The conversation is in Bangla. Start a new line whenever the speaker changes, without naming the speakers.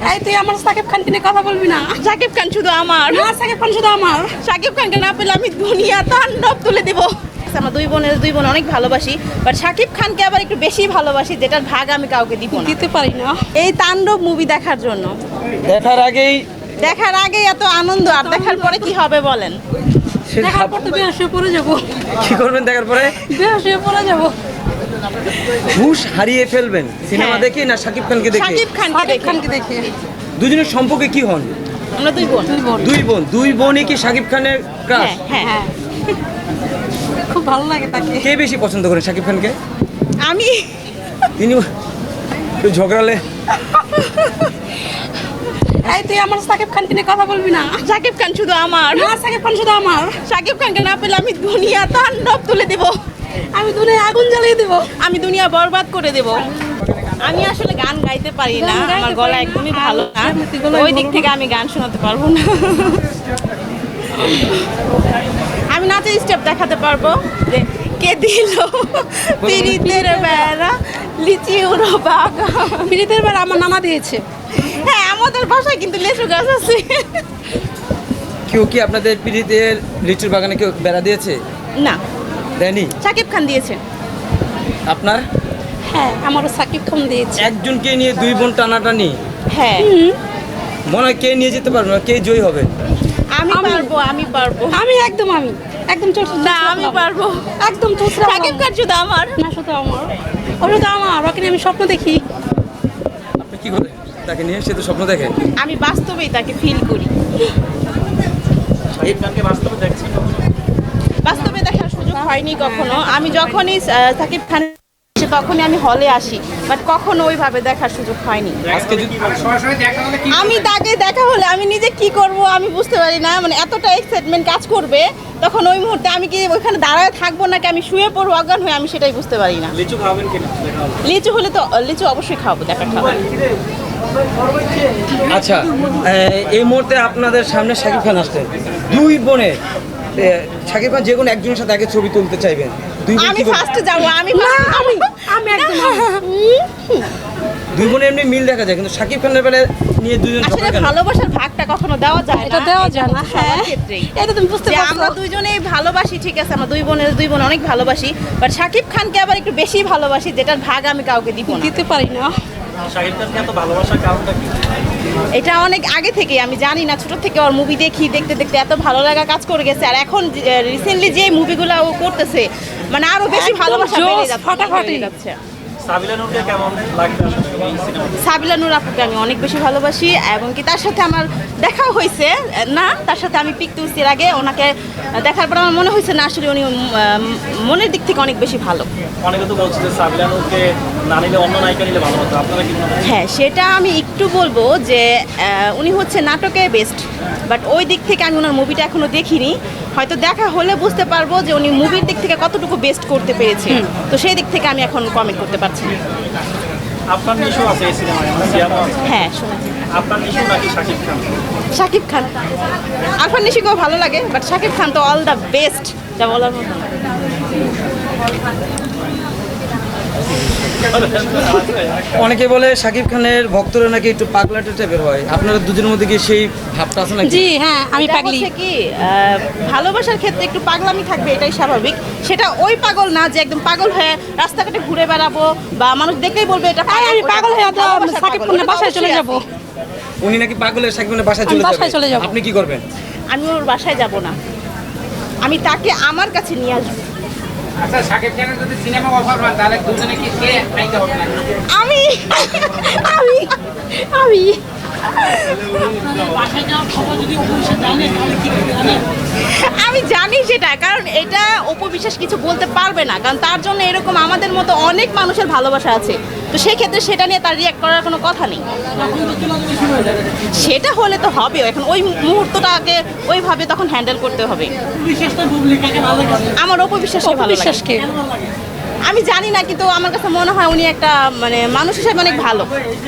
এই তুই আমার সাকিব খানকে নিয়ে কথা বলবি না।
শাকিব খান শুধু আমার,
না, সাকিব খান শুধু আমার।
শাকিব খানকে না পেলে আমি দুনিয়া তাণ্ডব তুলে দিব। আমরা দুই বোন অনেক ভালোবাসি, বাট শাকিব খানকে আবার একটু বেশি ভালোবাসি, যেটার ভাগ আমি কাউকে দিব না।
দিতে পারি না।
এই তাণ্ডব মুভি দেখার জন্য,
দেখার আগেই
এত আনন্দ, আর দেখার পরে কি হবে বলেন?
দেখার পর তো বেহুশ হয়ে পড়ে যাবো।
কি করবেন দেখার পরে?
বেহুশ হয়ে পড়ে যাবো।
হুশ হারিয়ে ফেলবেন সিনেমা
হ্যাঁ।
দেখে না শাকিব খানকে দেখে?
শাকিব খানকে
সাকিব
দেখে।
খানকে দেখে।
দুজনের সম্পর্কে কি হন?
আমরা দুই বোন।
দুই বোনই কি শাকিব খানের ক্রাশ?
হ্যাঁ হ্যাঁ,
খুব ভালো লাগে তাকে।
কে বেশি পছন্দ করেন শাকিব খানকে?
আমি
তিনি একটু ঝগড়ালে
এই তুই আমার সাকিব খানকে নিয়ে কথা বলবি না।
শাকিব খান শুধু আমার,
না, সাকিব খান শুধু আমার।
শাকিব খানকে না পেলে আমি দুনিয়া তাণ্ডব তুলে দিব।
আমি দুনিয়ায় আগুন জ্বালিয়ে দেব।
আমি দুনিয়া বরবাদ করে দেব। আমি আসলে গান গাইতে পারি না,
গান গাইতে
আমার গলা
পারি না।
একদমই ভালো না,
এমনিতে গলায়
ওই দিক
বলো
থেকে আমি গান শোনাতে পারবো না। আমি নাচের স্টেপ দেখাতে পারবো, যে কে দিল পিরিতের বেড়া লিচি উড়ো বাগা।
পিরিতের বার আমার নানা দিয়েছে।
হ্যাঁ, আমাদের বাসায় কিন্তু লেচু গাছ আছে।
কেউ কি আপনাদের পিড়িতের লিচুর বাগানে কেউ বেড়া দিয়েছে?
না,
দেয়নি?
শাকিব খান দিয়েছে।
আপনার
হ্যাঁ, আমারও সাকিব খান দিয়েছে।
একজনকে নিয়ে দুই বোন টানাটানি,
হ্যাঁ,
মনে হয় কে নিয়ে যেতে পারবে না, কে জয়ী হবে?
আমি পারবো।
আমি একদম চলছে
না, আমি পারবো।
একদম চলছে।
শাকিব খান শুধু আমার।
না, শুধু আমার। ও শুধু আমার। ওকে নিয়ে আমি স্বপ্ন দেখি।
আপনি কি করেন তাকে নিয়ে? সে তো স্বপ্ন দেখে।
আমি বাস্তবেই তাকে ফিল করি। বাস্তবে দেখার সুযোগ হয়নি কখনো। আমি যখনই সাকিব খান তখনই আমি হলে আসি, বাট কখনো ওইভাবে দেখার সুযোগ হয়নি।
আজকে যদি
আমি তাকে দেখা হলে আমি নিজে কি করব আমি বুঝতে পারি না, মানে এতটা এক্সাইটমেন্ট কাজ করবে তখন ওই মুহূর্তে আমি কি ওইখানে দাঁড়ায় থাকবো নাকি আমি শুয়ে পড়বো অজ্ঞান হয়ে, আমি সেটাই বুঝতে পারি না।
লিচু খাবেন কিনা?
লিচু হলে তো লিচু অবশ্যই খাবো, দেখা খাবো।
আচ্ছা, এই মুহূর্তে আপনাদের সামনে শাকিব খান আসছেন, দুই বোনের শাকিব খান যে কোনো একজনের সাথে আগে ছবি তুলতে চাইবেন, দুই বোন
আমি
কি করবেন?
ফার্স্টে যাবো। আমি
দুই বোনের এমনি মিল দেখা যায়, কিন্তু শাকিব খানের বেলায় নিয়ে দুজন
আসলে
ঝগড়া কেন?
ভালোবাসার ভাগটা কখনো দেওয়া যায় না।
এটা দেওয়া যায় না।
সবার
হ্যাঁ,
ক্ষেত্রেই।
এটা তুমি বুঝতে
যে
পারছো।
আমরা দুইজনেই ভালোবাসি, ঠিক আছে, আমরা দুই বোন অনেক ভালোবাসি, বাট শাকিব খানকে আবার একটু বেশি ভালোবাসি, যেটার ভাগ আমি কাউকে দিব না।
দিতে পারি না।
শাকিব খানকে এত ভালোবাসার কারণটা কি?
এটা অনেক আগে থেকে আমি জানি না, ছোট থেকে ওর মুভি দেখতে দেখতে এত ভালো লাগা কাজ করে গেছে, আর এখন রিসেন্টলি যে মুভিগুলো ও করতেছে মানে আরো বেশি
একদম
ভালোবাসা
জোশ,
বেড়ে যাচ্ছে,
ফাটাফাটি।
বেড়ে যাচ্ছে।
সাবিলা নূরকে কেমন লাগবে আসলে এই সিনেমাতে?
সাবিলা নূর আপুকে আমি অনেক বেশি ভালোবাসি, এবং কি তার সাথে আমার দেখা হয়েছে না, তার সাথে আমি পিক তুলছি এর আগে, ওনাকে দেখার পর আমার মনে হয়েছে না আসলে উনি মনের দিক থেকে অনেক বেশি ভালো।
অনেকে তো বলছে যে সাবিলা নূরকে না নিলে অন্য নায়িকা নিলে ভালো হতো, আপনারা কি মনে হয়?
হ্যাঁ, সেটা আমি একটু বলবো যে উনি হচ্ছে নাটকে বেস্ট, বাট ওই দিক থেকে আমি ওনার মুভিটা এখনো দেখিনি, হয়তো দেখা হলে বুঝতে পারবো যে উনি মুভির দিক থেকে কতটুকু বেস্ট করতে পেরেছে, তো সেই দিক থেকে আমি এখন কমেন্ট করতে পারছি না।
আপনার নিশু আছে এই সিনেমায়, সিয়ামও আছে।
হ্যাঁ, শুনেছি।
আপনার নিশু নাকি শাকিব খান?
শাকিব খান। আরফান নিশিকেও ভালো লাগে, বাট শাকিব খান তো অল দ্য বেস্ট, যা বলার মতো।
অনেকে বলে শাকিব খানের ভক্তরা নাকি একটু পাগলাটে টাইপের হয়, আপনারা দুজনের মধ্যে কি সেই ভাবটা আছে নাকি?
জি হ্যাঁ, আমি
এটা
পাগলি।
হচ্ছে কি ভালোবাসার ক্ষেত্রে একটু পাগলামি থাকবে, এটাই স্বাভাবিক। সেটা ওই পাগল না যে একদম পাগল হয়ে রাস্তাঘাটে ঘুরে বেড়াবো বা মানুষ দেখলেই বলবে এটা পাগল,
আমি
ওটা
পাগল হয়ে তো
ভালোবাসার
সাকিব
পাগল,
খানের
ওটা
বাসায় চলে
অবশ্যই
যাব।
আছে।
উনি নাকি পাগলের শাকিব খানের বাসায়
আমি
চলে
বাসায় চলে
যাবে,
যাবো।
আপনি কি করবেন?
আমি ওর বাসায় যাব না, আমি তাকে আমার কাছে নিয়ে আসবো।
আচ্ছা, শাকিব খানের যদি সিনেমা অফার হয় তাহলে দুজনে কি কে নায়িকা হবে না?
আমি
আমি আমি
আমি জানি সেটা, কারণ এটা অপবিশ্বাস কিছু বলতে পারবে না, কারণ তার জন্য এরকম আমাদের মতো অনেক মানুষের ভালোবাসা আছে, তো সেই ক্ষেত্রে সেটা নিয়ে তার রিয়াক্ট করার কোনো কথা নেই। সেটা হলে তো হবে, এখন ওই মুহূর্তটাকে ওইভাবে তখন হ্যান্ডেল করতে হবে। আমার অপবিশ্বাসকে ভালো লাগে।
বিশ্বাসকে
আমি জানি না, কিন্তু আমার কাছে মনে হয় উনি একটা মানে মানুষ হিসেবে অনেক ভালো।